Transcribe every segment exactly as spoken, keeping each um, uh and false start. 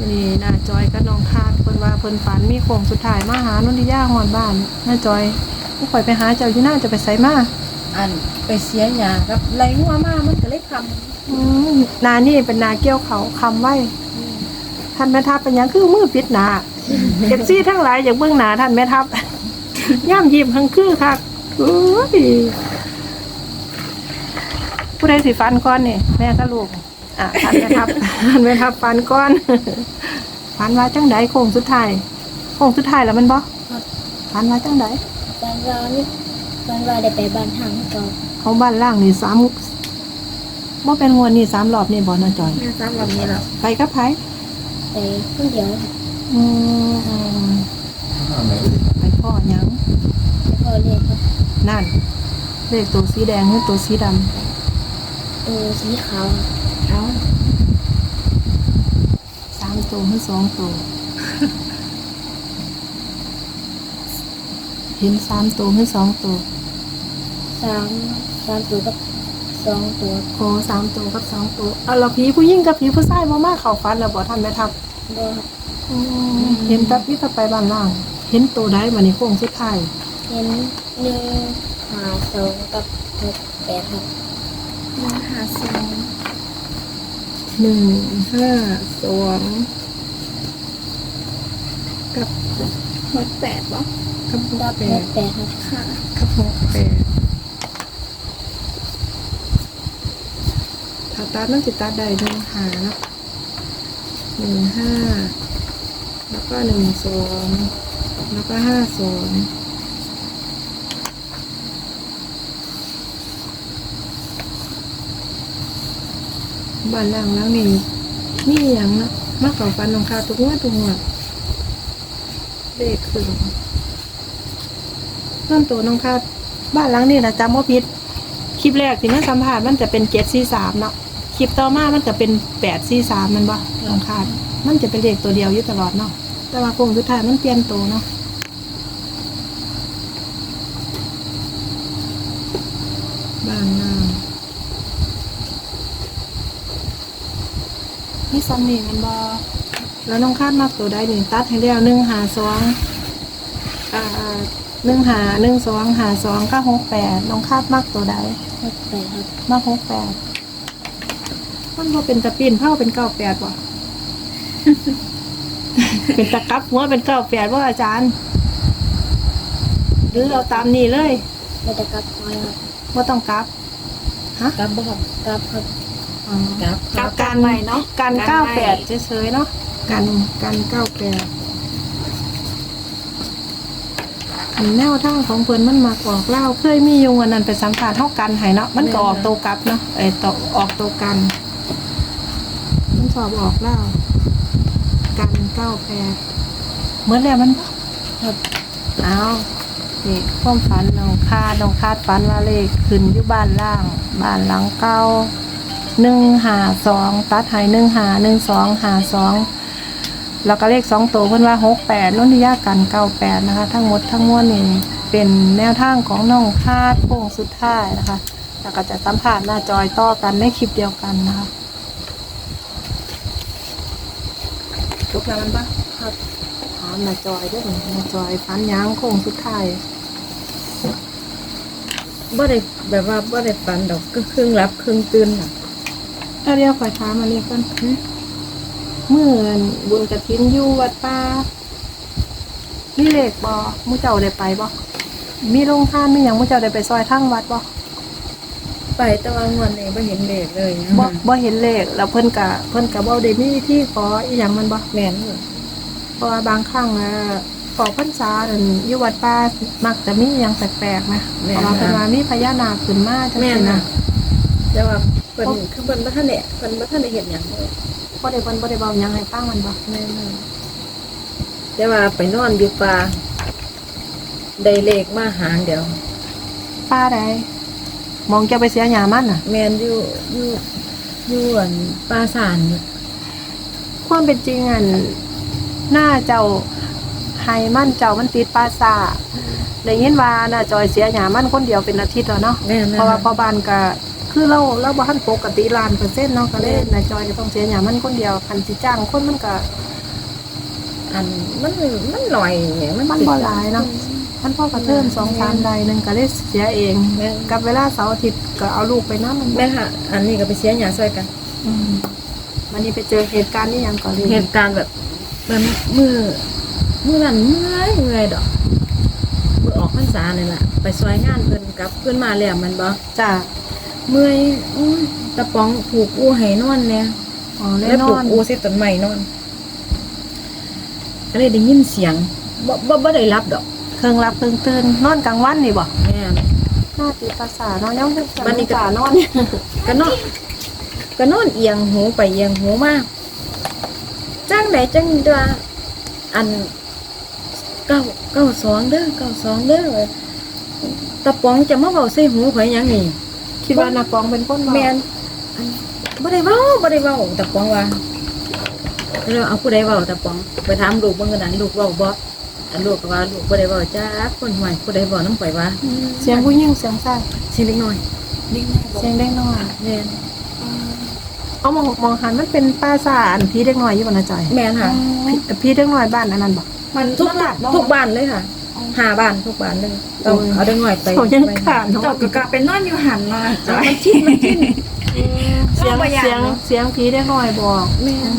นี่น้าจอยกับน้องคาดเพิ่นว่าเพิ่นฝันมีโค้งสุดท้ายมาหานนทิยาฮอดบ้านน้าจอยผู้ข่อยไปหาเจ้าอยู่น่าจะไปไสมาอันไปเสียหยากับไรงัวมามันก็เลยคอืมนานี่เป็นนาเกี่ยวเขาคำไว้ท่านแม่ทัพเป็นหยังคือมือปิดหนาเก็บซี่ทั้งหลายอย่างเบื้องหนาท่านแม่ทัพ ย่ำยิ้มทั้งคือค่ะโอ้ยผู้ใดสิฟันก้อนนี่แม่ก็ลูกอ่ะท่านแม่ทัพ ท่านแม่ทัพฟันก้อน ฟันว่าจังไดโค้งสุดท้ายโค้งสุดท้ายแล้วมันบ่ฟันว่าจังไดตอนเรานี่ตอนเราได้ไปบ้านทางก่อนเขาบ้านล่างนี่สามบ่เป็นงวดนี่สามรอบนี่บ่น่าจอยำแม่ซ้ำแบบนี้แล้วไปกับไผไปคนเดียวอืมไปพ่อหยังแล้วก็เรียกครับนั่นเลขตัวสีแดงหรือตัวสีดตัวสีขาวเอ้าำสามตัวหรือสองตัว เห็นสามตัวหรือสองตัวสามสามตัวกับสองตัวโอ้สามตัวกับสองตัวเอาเราผีผู้หญิงกับผีผู้ชายบ่มาเข้าฝันแล้วบ่ท่านแม่ทัพบออืมเห็นแต่พี่ตะไปบ้านล่าง เห็นตัวใดบัดนี้โค้งสุดท้ายเห็นหนึ่งหาสองกับหกแปดครับหาสองหนึ่งห้าสองกับหกแปดบ่กับหกักบแปหดกแปดครับค่ะกับหกแปดถ้าตัดมันสิตัดได้หนึ่งหาเนาะหนึ่งห้าแล้วก็หนึ่งสองแล้วก็ห้าสองบ้านล่างแล้วนี่นี่อย่างเนาะมาเก่าฟันลงคาทุกงวดทุกงวดเลขขึ้นเริ่มตัวน้องคาดบ้านหลังนี่นะจำว่าพิษคลิปแรกที่มันสัมผัสมันจะเป็นเจ็ดสี่สามเนาะคลิปต่อมามันจะเป็นแปดสี่สามมันบ่น้องคาดมันจะเป็นเลขตัวเดียวอยู่ตลอดเนาะแต่ว่าโค้งสุดท้ายมันเปลี่ยนตัวเนาะบ้านล่างนี่ซัมนี่มันบ่แล้วน้องคาดมากตัวใดหนึ่งตัดให้แล้วหนึ่งหาสองอ่าหนึ่งหาหนึ่งสองหาสองก็หกแปดน้องคาดมากตัวใดหกแปดครับมากหกแปดมันพอเป็นตะปีนเท่าเป็นเก้าแปดบ่ เป็นตะกับหัวเป็นเก้าแปดว่าอาจารย์ หรือเอาตามนี้เลยไม่ได้กลับไว้ครับว่าต้องกลับฮะกลับบ่ครับกลับครับอ๋อกลับกลับกักัน นไว้เนาะกันกันเก้าไว้แปดเฉยๆเนาะกันกันเก้าแปดอันแนวทางของเพิ่นมันมากออกเล่าเคยมีอยู่วันนั้นไปสัมผัสเท่ากันให้เนาะมันก็ออกตัวกลับเนาะไอ้ตวออกตัวกันมันสอบออกเล่ากันเก้าแปดเหมือนแล้วมันบ่ครับเอานี่ความฝันน้องคาดน้องคาดฝันว่าเลขขึ้นอยู่บ้านล่าง บ้านหลังเก้าหนึ่งหาสองตัดใหายหนึ่งหาหนึ่งสองหาสองแล้วก็เลขสองตัวเพิ่นว่าหกแปดนุ่นทิยากันเก้าแปดนะคะ ทั้งหมดทั้งมวลนี่เป็นแนวทางของน้องคาดโค้งสุดท้ายนะคะ แล้วก็จะสัมผัสหน้าจอยต่อกันในคลิปเดียวกันนะคะทุกแล้วมันปะครับถามหน้าจอยด้วยหน้าจอยฟันยางโค้งสุดท้ายบ่ได้แบบว่าบ่ได้ฝันดอกก็ครึ่งรับครึ่งตื่นน่ะเอาเรียกข่อยถามมาเรียกกันเมื่อนบุญกระถินอยู่วัดป่ามีเลขบ่มู่เจ้าได้ไปบ่มีโรงทานมีหยังมู่เจ้าได้ไปซอยทั้งวัดบ่ไปแต่ว่างวดนี้บ่เห็นเลขเลยนะบ่บ่เห็นเลขแล้วเพิ่นก็เพิ่นก็บ่ได้มีวิธีขออีหยังมันบ่แม่นอยู่เพราะว่าบางครั้งอ่ะออกพรรษานั่นอยู่วัดป่ามักจะมีหยังแปลกๆนะเพราะว่าเพิ่นว่ามีพญานาคขึ้นมาจังแม่นซี่น่ะนะแต่ว่าเพิ่นคือเพิ่นบ่ทันได้เพิ่นบ่ทันได้เฮ็ดหยังเลยบ่ได้เพิ่นบ่ได้เว้าหยังให้ฟังมันบ่แม่นน่ะแต่ว่าไปนอนอยู่ป่าได้เลขมาหางเดียวป่าใดมองจะไปเสียหยามันน่ะแม่นอยู่อยู่อยู่อันป่าสานนี่ความเป็นจริงอันหน้าเจ้าไฮมันเจ้ามันติดปลาซาได้ยินว่าน่าจอยเสียหยามันคนเดียวเป็นอาทิตย์แล้วเนาะแม่นเพราะว่าพอบ้านก็คือเราเราบ่ทันปกติล้านเปอร์เซ็นต์เนาะก็เลยน่าจอยก็ต้องเสียหยามันคนเดียวคันสิจ้างคนมันก็อันมันมันหน่อยมันมันบ่หลายเนาะมันพ่อกระเทินสองสามใดหนึงก็ได้เสียเองแม่กับเวลาเสาร์อาทิตย์ก็เอาลูกไปนำมันแม่ค่ะ อันนี้ก็ไปเสียหยาซอยกันอืมวันนี้ไปเจอเหตุการณ์นี้ยังก่อนเลยเหตุการณ์แบบมันมือมือนั้นเมื่อยเมื่อยดอกมือออกพรรษานี่แหละไปซอยงานเพิ่นกลับเพิ่นมาแล้วมันบ่จ้าเมื่อยอุ้ยตะป๋องผูกอูให้นอนเนี่ยอ๋อแน่แล้วนผูอก นอูใส่ต้นไม้นอนก็เลยได้ยินเสียงบ่บ่บ่ได้รับดอกเครื่องรับเครื่องตื่นนอนกลางวันนี่บ่แม่นหน้าตีภาษาเนาะยังวันนี้ก็ภาษานอนก็นอนก็นอนเอียงหูไปเอียงหูมาจังไดจังว่าอันเก้าเก้าสองเด้อเก้าสองเด้อตะป๋องจะมาเว้าใส่หูข่อยหยังนี่คิดว่านักร้องเป็นคนบ่แม่นอันบ่ได้เว้าบ่ได้เว้าตะป๋องว่าแล้วเอาผู้ใดเว้าตะป๋องไปถามลูกเบิ่งกันนั้นลูกเว้าบ่อันลูกก็ว่าลูกบ่ได้เว้าจ้าคนห่วยผู้ใดเว้านำข่อยว่าเสียงผู้หญิงเสียงชายเสียงเล็กน้อยเสียงเด็กน้อยแม่นเอามองมองหันมันเป็นป้าสาอันพี่เด็กน้อยอยู่บ่นะจอยแม่นค่ะพี่พี่เด็กน้อยบ้านอันนั้นบ่มันทุกหลับทุกบ้านเลยค่ะหาบ้านทุกบ้านเลยต้องโอ้ยเอาเด็กน้อยไปเขายังขาดเนาะเจ้าก็กลับเป็นนอนอยู่หันมาจ้ะมันทิ้นมันทิ้นเสียงบ่อยากเสียงเนาะเสียงพี่เด็กน้อยบอกแม่น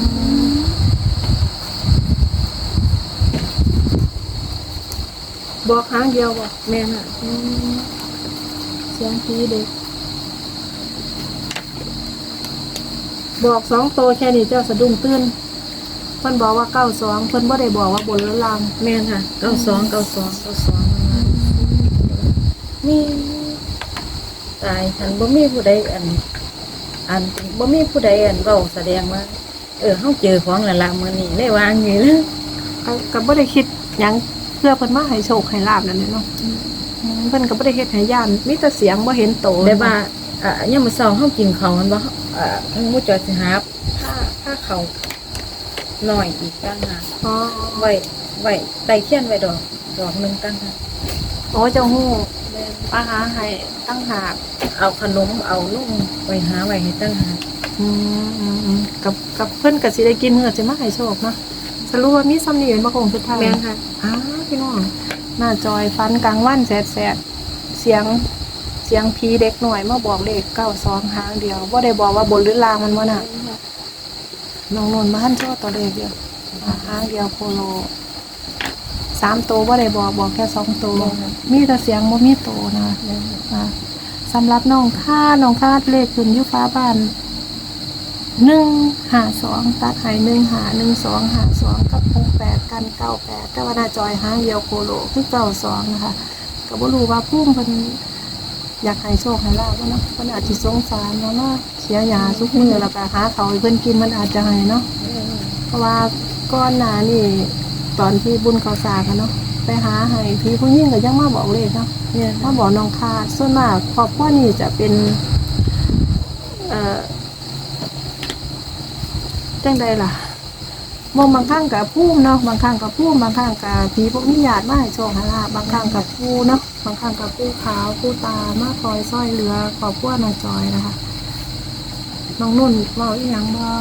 บอกครั้งเดียวบ่แม่นค่ะอืมเสียงพี่เด็ก บอกสองโตวแค่นี้เจ้าสะดุ้งตื่นเพิ่นบอกว่าเก้าสองเพิ่นบ่ได้บอกว่าบนหรือล่างแม่นค่ะเก้าสองเก้าสองเก้าสองมีตายฉันบ่มีผู้ใดอัน อันบ่มีผู้ใดอันเว้าแสดงว่า เออเฮาเจอของและละมื้อนี้ได้วางอยู่แล้วก็ก็บ่ได้คิดหยังเพื่อเพิ่นมาให้โชคให้ลาบนั่นแหละเนาะอืมเพิ่นก็บ่ได้เฮ็ดให้ย่านมีแต่เสียงบ่เห็นโตได้ว่าอ่ายามมื้อเช้าเฮากินข้าวมันบ่อ่าหมู่จอยสิหาผ้าผ้าเขาวน้อยอีกต่างหากอ๋อไว้ไว้ไต่เทียนไว้ดอกดอกหนึงต่างหากโอ้เจ้าฮู้มาหาให้ตั้งหากเอาขนมเอานุ่มไว้หาไว้ให้ต่างหากอืมอืมอืมกับกับเพิ่นก็สิได้กินเฮือสิมาให้โชคเนาะสรุปว่ามีซ้ำนี่เป็นบ่คงสุดท้ายแม่นค่ะอ้าวพี่น้องหน้าจอยฟันกลางวันแสดๆเสียงเสียงผีเด็กหน่อยมาบอกเลขเก้าสองหางเดียวบ่ได้บอกว่าบนหรือล่างมันบ่น่ะน้องนนท์มาหันโชว์ตัวเลขเดียวอ่าหางเดียวโคโลสามตัวบ่ได้บอกบอกแค่สองตัวมีแต่เสียงบ่มีตัวนะอ่าสำหรับน้องค่าน้องค่าเลขขึ้นอยู่ฟ้าบ้านหนึ่งหาสองตัดใหายหนึ่งหาหนึ่งสองหาสองกับหกแปดกันเก้าแปดแต่ว่าหน้าจอยหางเดียวโคโลคือเก้าสองนะคะก็บ่รู้ว่าพุ่มเพิ่นอยากให้โชคให้ลาบเนาะเพิ่นอาจสิสงสารเนาะเนาะเสียยาทุกมื้อแล้วก็หาเขาวให้เพิ่นกินมันอาจจะให้เนาะเพราะว่าก่อนหน้านี่ตอนที่บุญเขาสร้างอะเนาะไปหาให้พี่ผู้หญิงก็ยังมาบอกเลขเนาะเนี่ยมาบอกน้องคาดส่วนมากครอบครัวนี่จะเป็น เอ่อจังใดล่ะมองบางครั้งกับผู้เนาะบางครั้งกับผู้บางครั้งกับผีพวกนิยาดมาให้โชคให้ลาบบางครั้งกับผู้เนาะบางครั้งกับผู้ขาวผู้ตามาคอยซ้อยเรือขอบพวกน้องจอยนะคะน้องนุ่นเว่าอีหยังบ่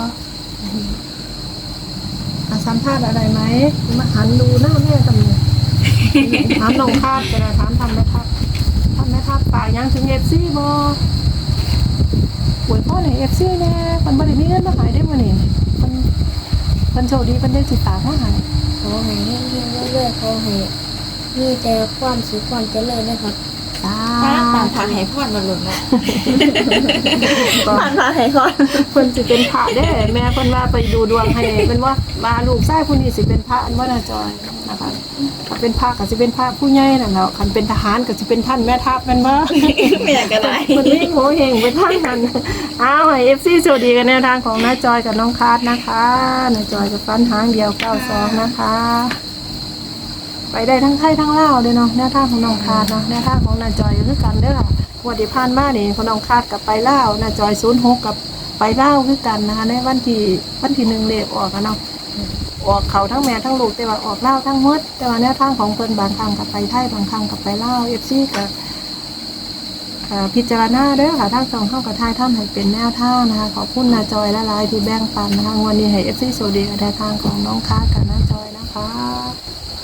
อ่ะสัมภาษณ์อะไรไหมมาหันดูหน้าแม่กันเลยถามน้องคาดก็ได้ถามทำไหมครับทำไหมครับป่ากยังถึงเอฟซีบ่อวยพ่อในเอฟซีแน่มันบ่ได้มีเงินมาหายได้บ่นี่มันมันโชคดีมันได้สิฝากมาใหายขอให้เฮงๆเรื่อยๆขอให้มีแต่ความสุขความเจริญนะครับสาป้าตามธุทางให้พรมาหล่นแล้วผ่านทางให้พรเพิ่นสิเป็นพระเด้แม่เพิ่นว่าไปดูดวงให้เป็นว่าว่าลูกชายผู้นี้สิเป็นพระอันว่าน่าจอยนะคะถ้าเป็นพระก็สิเป็นพระผู้ใหญ่นั่นแหล้วคันเป็นทหารก็สิเป็นท่านแม่ทัพแม่นบ่ไม่อยากก็ได้มันวิ่งโหเฮงไปทางนั้นอ้าวให้ เอฟ ซี สวัสดีกันแนวทางของน้าจอยกับน้องคาร์ดนะคะน้าจอยกับฟันหางเดียวเก้าสองนะคะ ไปได้ทั้งไทยทั้งลาวเลยเนาะแนวทางของน้องคาร์ดเนาะแนวทางของน้าจอยก็คือกันเด้อค่ะงวันที่ผ่านมานี่ของน้องคาร์ดกับไปลาวน้าจอยศูนย์หกกับไปลาวคือกันนะคะในวันที่วันที่หนึ่งเลขออกกันเนาะออกเขาทั้งแม่ทั้งลูกแต่ว่าออกลาวทั้งหมดแต่ว่าแนวทางของเพิ่นบางครั้งกับไปไทยบางครั้งกับไปลาว เอฟ ซี กับ อ่าพิจารณาเด้อค่ะทางสองเข้ากับทายท่านให้เป็นแนวทางนะคะขอบคุณนาจอยและลายที่แบ่งปันนะคะงวันนี้ให้เอฟซีโซดีกับแนวทางของน้องค้ากับน้าจอยนะคะคะ